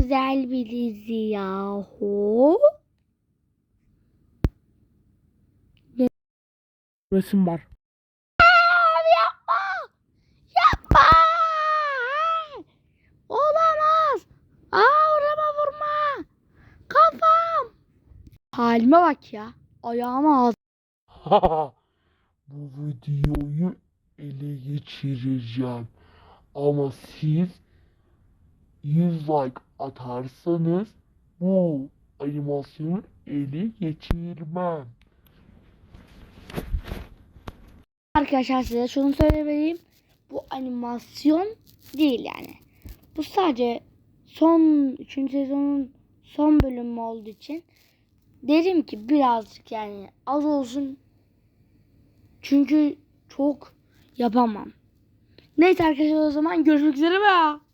güzel bir dizi yahu. Resim var. Yapma! Yapma! Olamaz! Orama vurma! Kafam! Halime bak ya. Ayağıma ağzı. Bu videoyu ele geçireceğim. Ama siz 100 like atarsanız bu animasyonu ele geçirmem. Arkadaşlar size şunu söylemeliyim. Bu animasyon değil yani. Bu sadece son 3. sezonun son bölümü olduğu için derim ki birazcık yani az olsun. Çünkü çok yapamam. Neyse arkadaşlar o zaman görüşmek üzere be.